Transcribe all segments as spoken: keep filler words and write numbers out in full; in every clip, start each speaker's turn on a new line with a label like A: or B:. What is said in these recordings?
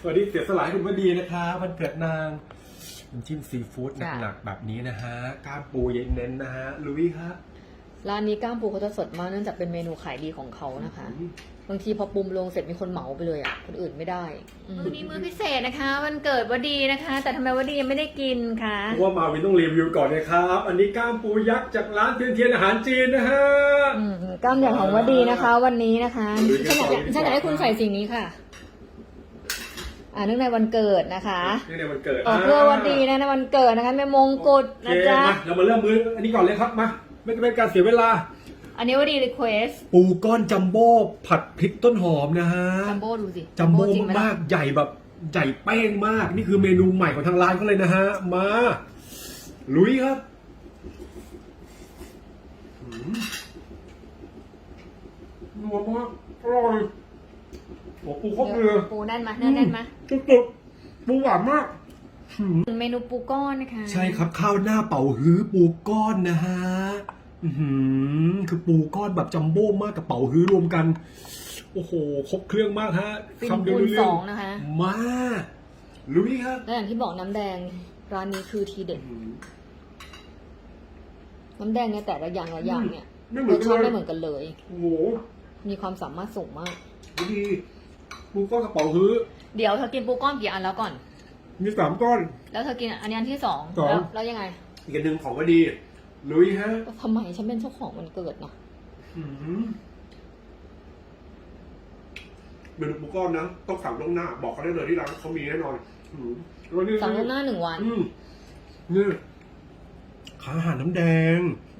A: วันนี้เสียสละให้คุณวดีนะคะวันเกิดนางน้ำจิ้มซีฟู้ดหนักๆแบบนี้นะฮะก้ามปูเย็นเน้นนะฮะลุยครับ
B: ร้านนี้ก้ามปูเขาจะสดมากเนื่องจากเป็นเมนูขายดีของเขานะคะบางทีพอปรุงลงเสร็จมีคนเหมาไปเลยอ่ะคนอื่นไม่ได้มื้อนี้มื้อพิเศษนะคะวันเกิดวดีนะคะ แต่ทำไมวดียังไม่ได้กินคะ
A: เพราะว่ามาวินต้องรีวิวก่อนนะครับอันนี้ก้ามปูยักษ์จากร้านเทียนเทียนอาหารจีนนะฮะ
B: ก้ามใหญ่ของวดีนะคะ วันนี้นะคะฉันอยากฉันอยากให้คุณใส่สิ่งนี้ค่ะอ่าเนื่องในวันเกิดนะคะ
A: เนื่องในวันเกิด
B: ออกเพื่อวันดีนะในวันเกิดนะคะแม่มงกุฎนะจ๊ะ
A: เรามาเริ่มมื้ออันนี้ก่อนเลยครับมาไม่เป็นการเสียเวลา
B: อันนี้ว่าดีรีเควส
A: ปูก้อนจัมโบ้ผัดพริกต้นหอมนะฮะ
B: จัมโบ้ดูสิ
A: จัมโบ้มากๆใหญ่แบบใหญ่เป้งมากนี่คือเมนูใหม่ของทางร้านเขาเลยนะฮะมาลุยครับนัวมากอร่อยโอ้ปูครบเลย
B: ปูแน่นมาแน่นแน่นมา
A: สุดๆปูหวานมาก
B: เมนูปูก้อนนะคะ
A: ใช่ครับข้าวหน้าเป่าฮื้อปูก้อนนะฮะคือปูก้อนแบบจัมโบ้มากกับเป่าฮื้อรวมกันโอ้โหครบเครื่องมากฮะ
B: คำเดียวรู้เรื่องนะคะ
A: มาลุยครับ
B: และอย่างที่บอกน้ำแดงร้านนี้คือทีเด็ดน้ำแดงเนี่ยแต่ละอย่างละอย่างเนี่ยรสชาติไม่เหมือนกันเลย
A: โอ้โห
B: มีความสามารถสูงมาก
A: ดีปูก้อนกับเป่าฮื้อ
B: เดี๋ยวเธอกินปูก้อนกี่อันแล้วก่อน
A: มีสามก้อน
B: แล้วเธอกินอันนี้อันที่สองแล้วยังไง
A: อีกอันหนึ่งของก็ดีลุยฮะ
B: ทำไมฉันเป็นเจ้าของวันเกิดนะ
A: เมนูปูก้อนนะต้องสั่งล่วงหน้าบอกเขาได้เลยที่ร้านเขามีแน่นอน
B: สั่งล่วงหน้าหนึ่งวัน
A: นี่ขาอาหารน้ำแดง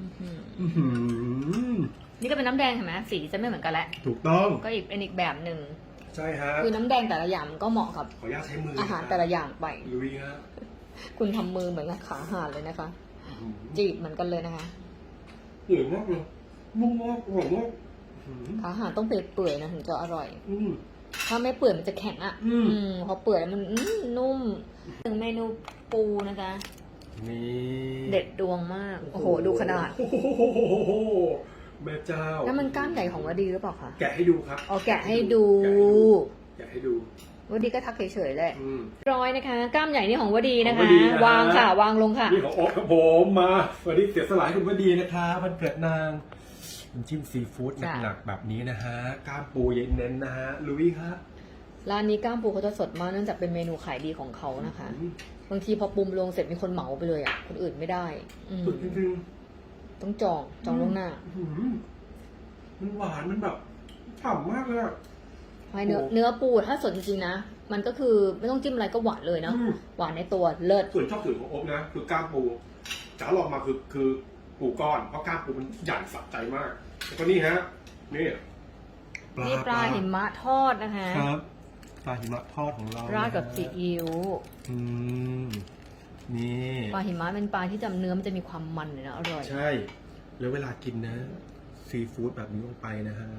B: นี่ก็เป็นน้ำแดงเห็นไหมสีจะไม่เหมือนกันแหละ
A: ถูกต้อง
B: ก็อีกเป็นอีกแบบหนึ่ง
A: ใช่ฮะ
B: คือน้ำแดงแต่ละอย่างก็เหมาะกับ
A: ขออนุญาตใช้มือ
B: อาหารแต่ละอย่างไป
A: ลุยฮะ
B: คุณทำมือเหมือนกับขาอาหารเลยนะคะจีบเหมือนกันเลยนะคะ
A: เปื่อยมากเลยนุ่มมากอร่อยมาก
B: ขาอาหารต้องเปื่อยๆนะถึงจะอร่อยถ้าไม่เปื่อยมันจะแข็งอ่ะพอเปื่อยมันนุ่มถึงเมนูปูนะจ๊ะ
A: นี่
B: เด็ดดวงมากโอ้โหดูขนาด
A: แม่เจ้า
B: แล้วมันก้านใหญ่ของวดีหรือเปล่าคะ
A: แกะให้ดูครับ
B: อ๋อแกะให้ดู
A: แกะให้ดู
B: วดีก็ทักเฉยๆแหละร้อยนะคะกล้ามใหญ่นี่ของวดีนะคะวางค่ะวางลงค่ะ
A: นี่ของโอ๊คครับผมมาวันนี้เสียสละให้คุณวดีนะคะวันเกิดนางน้ำจิ้มซีฟู้ดหนักๆแบบนี้นะฮะก้ามปูเย็นเน้นนะฮะลุยครับ
B: ร้านนี้ก้ามปูเขาจะสดมากเนื่องจากเป็นเมนูขายดีของเขานะคะบางทีพอปรุงลงเสร็จมีคนเหมาไปเลยอ่ะคนอื่นไม่ได้
A: สุดจริง
B: ๆต้องจองจองล่วงหน้า
A: มันหวานมันแบบฉ่ำมากเลยอะ
B: เนื้อเนื้อปูถ้าสดจริงๆนะมันก็คือไม่ต้องจิ้มอะไรก็หวานเลยเนาะหวานในตัวเลิศ
A: ส่วนชอบส่วนของโอ๊คนะคือก้ามปูจ๋าลองมาคือคือปูก้อนเพราะก้ามปูมันใหญ่สะใจมากแล้วก็นี่ฮะนี่
B: นี่ปลาหิมะทอดนะคะ
A: ครับปลาหิมะทอดของเรา
B: ราดกับซีอิ๊ว
A: อืมนี่
B: ปลาหิมะเป็นปลาที่จำเนื้อมันจะมีความมันเลยนะอร่อย
A: ใช่แล้วเวลากินนะซีฟู้ดแบบนี้ลงไปนะฮะ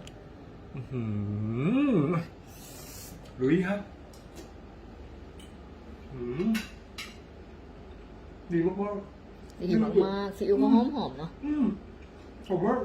A: ลุยครับดีมากมาก
B: ดีมากมากซีอิ๊วก็หอมหอมเนาะ
A: ผมว่า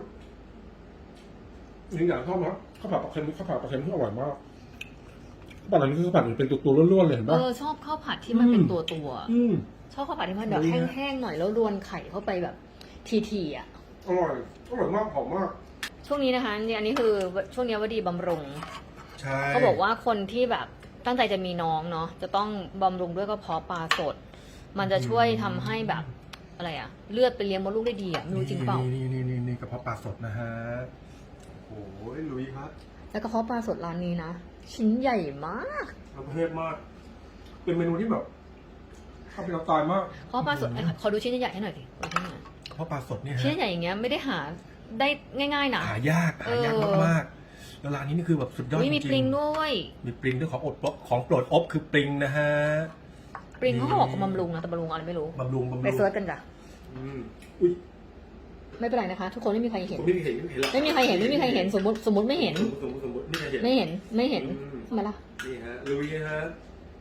A: อย่างอย่างชอบนะข้าวผัดปลาเค็มข้าวผัดปลาเค็มที่อร่อยมากข้าวผัดอันนี้คือข้าวผัดเป็นตัวตัวล้วนๆเลยเห็นปะ
B: เออชอบข้าวผัดที่มันเป็นตัวตัวชอบข้าวผัดที่มันแบบแห้งๆหน่อยแล้วรวนไข่เข้าไปแบบทีๆอ่ะ
A: อร่อยอร่อยมากหอมมาก
B: ช่วงนี้นะคะเนี่ยอันนี้คือช่วงนี้วดีบำรุง
A: ใช่
B: เขาบอกว่าคนที่แบบตั้งใจจะมีน้องเนาะจะต้องบำรุงด้วยกระเพาะปลาสดมันจะช่วยทำให้แบบอะไรอะเลือดไปเลี้ยงมดลูกได้ดีอะไม่รู้จริงเปล่า
A: นี่นี่นี่นี่กระเพาะปลาสดนะฮะโอ้ยลุยครับ
B: แล้วกระเพาะปลาสดร้านนี้นะชิ้นใหญ่มาก
A: ประเภทมากเป็นเมนูที่แบบชอบเป็นเราตายมาก
B: กระเพาะปลาสดขอดูชิ้นใหญ่ให้หน่อยสิ
A: กระเพาะปลาสดเนี่ย
B: ชิ้นใหญ่อย่างเงี้ยไม่ได้หาได้ง่ายๆนะ
A: หายากหายากมากๆแล้วร้านนี้นี่คือแบบสุดยอดจริง
B: มีปริงด้วย
A: มีปริงด้วยของอดของโปรดอบคือปริงนะฮะ
B: ปริงเขาบอกบำรุงนะแต่บำรุงอะไรไม่รู้
A: บำรุงบำรุง
B: ไปเซิร์ชกันจ้ะ
A: อุ้ย
B: ไม่เป็นไรนะคะทุกคนไม่มีใครเห็น
A: ไม่มีใครเห็น
B: ไม่มีใครเห็นไม่มีใครเห็นสมมติสมมติไม่เห็น
A: สมมติสมมติไม่
B: เห็นไม่เห็นทำไมล่ะ
A: นี่ฮะลุยฮะ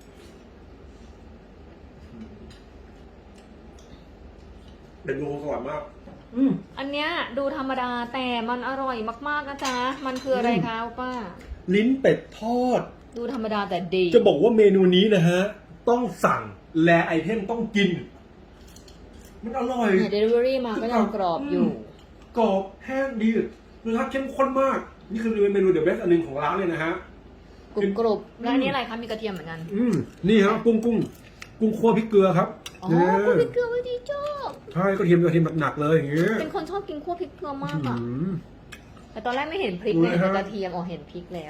A: เป็นโลสวยมาก
B: อันเนี้ยดูธรรมดาแต่มันอร่อยมากๆนะจ๊ะมันคืออะไรคะป้า
A: ลิ้นเป็ดทอด
B: ดูธรรมดาแต่ดี
A: จะบอกว่าเมนูนี้นะฮะ ต้องสั่งแลไอเทมต้องกิน มันอร่อย
B: เนี่ยเดลิเวอรี่มาก็ยังกรอบอยู่
A: กรอบแห้งดีรสชาติเข้มข้นมาก นี่คือเมนูเดอะเบสอันหนึ่งของร้านเลยนะฮะ
B: กรุบกรุบแล้วอันนี้อะไรคะมีกระเทียมเหมือนกัน
A: อืมนี่ฮะกุ้งกุ้งกุ้งคั่วพริกเกลือครับ
B: อ๋อ
A: เนี่ย
B: คั่วพริกเกลือไม่ดีชอบ
A: ใช่กระเทียมกระเทียมหนักๆเลยอย่างเงี้ย
B: เป็นคนชอบกินคั่วพริกเกลือมาก
A: อื
B: อ่ะ
A: ม
B: แต่ตอนแรกไม่เห็นพริก
A: ดู
B: เลย
A: เลย
B: แต่
A: ฮะ
B: กระเทียมอ๋อเห็นพริกแล้ว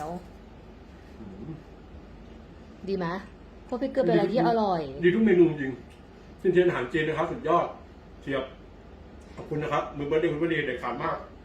B: ดีไหมคั่วพริกเกลือเป็นอะไรที่อร่อย
A: ดีทุกเมนูจริงเช่นเช่นอาหารจีนนะครับสุดยอดเทียบขอบคุณนะครับมือเบอร์เดย์คุณเบอร์เดย์เด็ดขาดมาก